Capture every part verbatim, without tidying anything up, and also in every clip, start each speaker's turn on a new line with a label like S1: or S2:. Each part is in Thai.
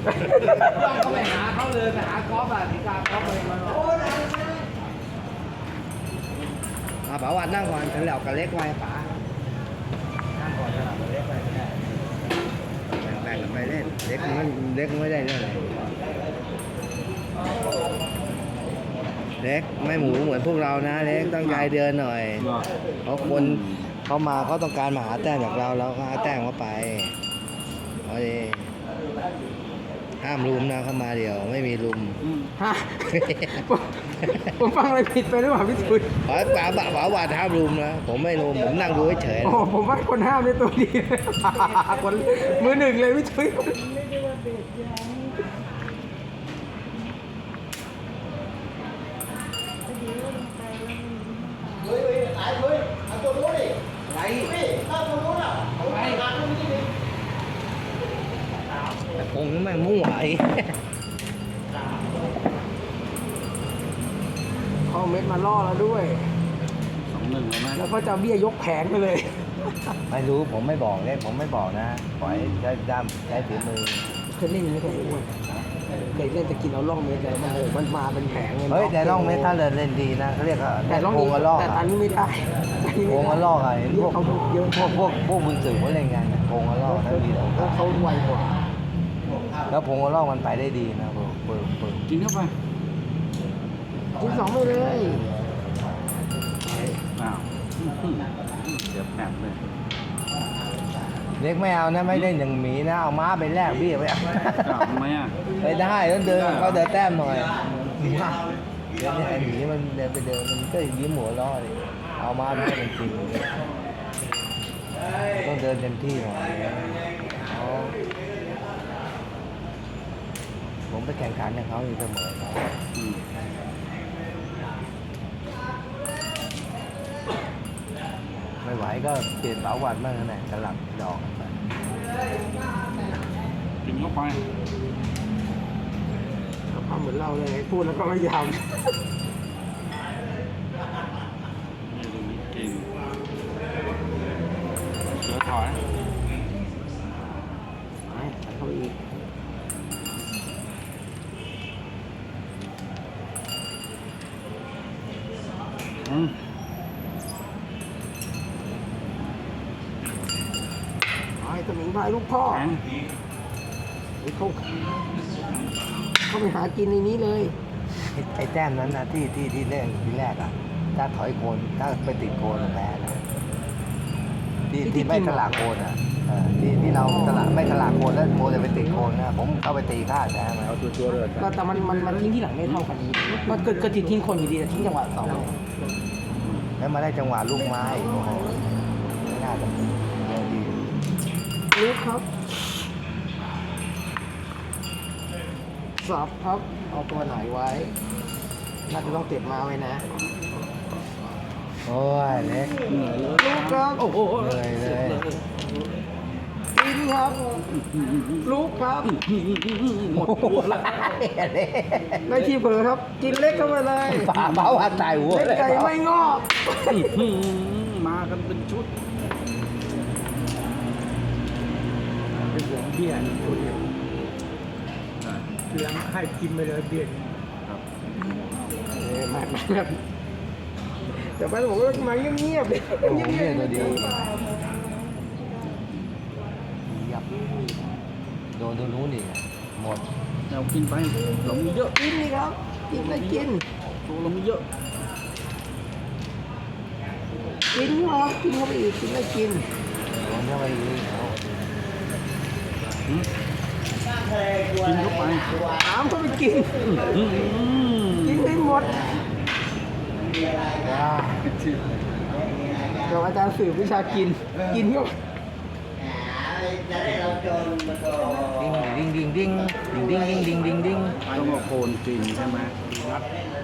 S1: ก็ไปหาเขาเลยไปหากอล์ฟอ่ะสีกากอล์ฟเลยมาอาป๋าวันนั่งก่อนฉันเหล่ากับเล็กไว้ป๋านั่งก่อนฉันเหล่ากับเล็กไว้แบ่งกันไปเล่นเล็กมันเล็กไม่ได้เรื่องอะไรเล็กไม่หมูเหมือนพวกเรานะเล็กต้องใจเดินหน่อยเพราะคนเขามาเขาต้องการมาหาแต้มจากเราเราก็หาแต้มเข้าไปเอาดิห้ามลุมนะเข้ามาเดียวไม่มีลุม
S2: ฮะผมฟังอะไรผิดไปหรือเปล่าพี่ชุย
S1: ขอป๋าป๋าป๋าว่าห้ามลุมนะผมไม่ลุมผมนั่งดูเฉย
S2: โอ้ผมว่าคนห้ามในตัวดีคนมือหนึ่งเลยพี่ชุย
S3: เฮ้ยไหนเฮ้ยเอาตัวนู้นดิไหนพี่ถ้าตัวนู้นอ่ะผมไปหาตัวนี้ดิ
S1: แต่คงไม่มั่วไอ้
S2: เขาเม็ดมาล่อแล้วด้วยสองหนึ่งแล้วแล้วก็จะเบี้ยยกแผงไปเลย
S1: ไม่รู้ผมไม่บอกเลยผมไม่บอกนะปล่อยใช้ด้ามใช้ฝีมือ
S2: เคยเล่นอย่างนี้เคยอ้วนเคยเล่นจะกินเอาล่องเม็ดเลยมันมันมาเป็นแผงเลย
S1: เฮ้ยแต่ล่องเม็ดถ้าเล่นเล่นดีนะเขาเรียกว่า
S2: แต่ล่อง
S1: นี้
S2: แต่ตอนนี้ไม่ได้
S1: โกงกระลอกอะไรพวก
S2: เยอะ
S1: พวกพวกพวกบุญสื่อเขาเล่นกันโกงกระลอกนั่นดี
S2: แล้วเขาไวกว่า
S1: แล้วพงกระลอกมันไปได้ดีนะเปิดเปิดเปิด
S2: กินเข้าไปกินสองไปเลย
S4: อ้าวเดี๋ยวแผลเลย
S1: เล็กไม่เอานะไม่เล่นอย่างหมีนะเอาม้าไปแลกเบี้ยไปเอา
S4: ทำไมอ่ะ
S1: ไปได้ต้องเดินเขาเดินแต้มหน่อยเดี๋ยวนี้ไอ้หมีมันเดินไปเดินมันก็ยิ้มหัวล้อเลยเอาม้าไปให้มันกินต้องเดินเต็มที่หน่อยผมไปแข่งขันกับเขาอยู่เสมอเขาไม่ไหวก็เปลี่ยนเสาวัดบ้างนะสลับดอกไป
S4: กินเข้าไป
S2: ทำเหมือนเราเลยพูดแล้วก็ไม่ยาว
S4: กินเสือถอย
S2: เข้าอีก
S4: อืม
S2: ไอ้สมิงพายลูกพ่อเขาเขาไปหากินในนี้เลย
S1: ไอ้แต้มนั้นนะที่ที่ที่เล่นที่แรกอ่ะถ้าถอยโคนถ้าไปติดโคนแพ้นะที่ที่ไม่สลากโคนอ่ะที่ที่เราสลากไม่สลากโคนแล้วโมจะไปติดโคนนะผมเข้าไปตีค่าแพ้มา
S4: เอาตัวตัวเลย
S2: ก็แต่มันมันมันทิ้งที่หลังไม่เท่ากันมันเกิดเกิดทิ้งคนอยู่ดีแต่ทิ้งจังหวะสอง
S1: แล้วมาได้จังหวะลูกไม้โอ้โหไม่น่าจะดี
S2: ลูกครับสับครับเอาตัวไหนไว้น่าจะต้องเก็บมาไว้นะ
S1: โอ้ยเล็ก
S2: ลูกครับโอ้โห
S1: เลยเลย
S2: กินครับลูกครับหมดตัวแล้วได้ที่เผลอครับกินเล็กเข้าไปเลย
S1: ป่าเบาหันตายหัว
S2: เล็กไก่ไม่งอก
S4: มากันเป็นชุด
S2: เป็นหัวเบี้ยนี่ตัวเดียวเลี้ยงให้กินไปเลยเบี้ยครับเออมาแบบแต่ป้าบอกว่ามาเงียบๆเลย
S1: เงียบๆตัวเดียวยับโดนตัวนู้นอีกหมด
S4: เรากินไปหลงเยอะ
S2: กินนี่ครับกินอะไรกิน
S4: ตัวหลงเยอะ
S2: กินครับกินเข้าไปอีกกินอะไรกิน
S1: โดนเข้าไปอีก
S4: กินเข้าไป
S2: ถามเขาไปกินกินให้หมดเดี๋ยวอาจารย์สื่อวิชากินกินก็
S1: ดิ้งดิ้งดิ้งดิ้งดิ้งดิ้งดิ้งดิ้งดิ้ง
S4: ต้องเอาโคนกินใช่ไหมรัด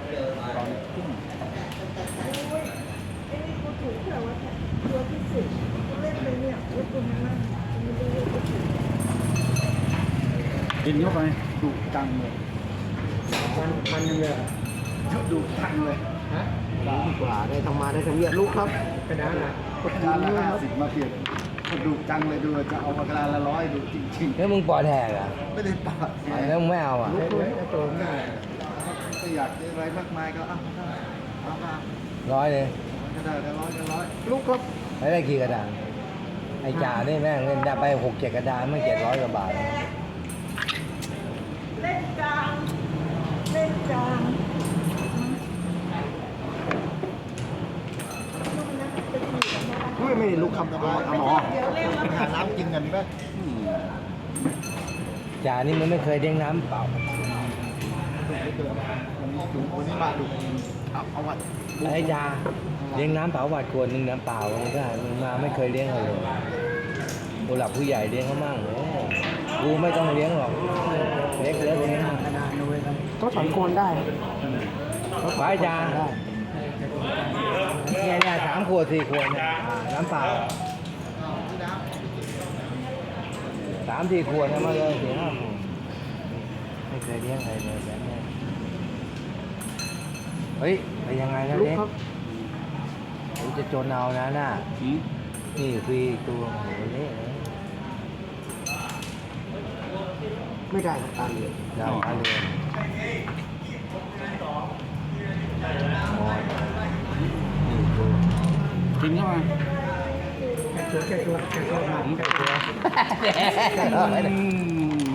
S4: กินเข้าไปดูจังเลย
S2: มันมันเลย
S4: ดูจังเลย
S2: ฮะดีกว่าได้ทำมาได้ทำเนียลูกครับ
S4: กระดานละกระดานละห้าสิบมาเปลี่ยนดุจังเลยดูจะเอามากระดานละร้อยดูจริง
S1: แล้วมึงปอดแหกอ่ะ
S4: ๆ ไม่ได้ปาด
S1: แล้วมึงไม่เอาอ่ะ
S2: เล็กๆตัวง่าย
S4: ไม่อยากได้อะไรมากมายก็เอาก็ได้เอามา
S1: ร้อยเลย
S4: ก็ได้ได้ร้อยได้ร้อย
S2: ลูกครับ
S1: ไม่ได้กี่กระดานไอ้จ่านี่แม่งเล่นได้ไปหกเจ็ดกระดานไม่เจ็ดร้อยกว่าบาท
S5: เล่นกลางเล่นกลาง
S2: อุ้ยไม่ได้ลูกครับเอาเอาหมอ
S5: เดี๋ยวเร็วแล้ว
S3: หาน้ำกินกันดีไหม
S4: อืม
S1: จ่านี่มันไม่เคยเด้งน้ำเปล่า
S3: ดูวันนี้มาดูเอาเอาวัด
S1: ไอ้จ่าเลี้ยงน้ำเปล่าหวาดขวดหนึ่งน้ำเปล่ามันก็มึงมาไม่เคยเลี้ยงเขาเลยผู้หลักผู้ใหญ่เลี้ยงเขามั่งเออกูไม่ต้องเลี้ยงหรอกเล็กเล็กเลี้ยง
S2: กระดานด้วยครับก็ถอนโคนได้
S1: ไปจ่า
S2: ได้
S1: เนี่ยเนี่ยสามขวดสี่ขวดเนี่ยอ่าน้ำเปล่าสามสี่ขวดเนี่ยมาเลยเสียห้าหมื่นไม่เคยเลี้ยงใครเลยแบบเนี้ยเฮ้ยไปยังไงนะ
S2: ลูก
S1: เล็ก
S2: ครับ
S1: กูจะจนเอานะน่ะ
S4: อืม
S1: นี่คืออีกตัวโหเละเลย
S2: ไม่ได้ครับตาเหลือก
S1: ดาวอาเรือนโอ้ยนี่ตัว
S4: กินเข้ามา
S2: แค่ตัวแค่ตัวแค่ตัวมาแค่ตัว
S4: อืม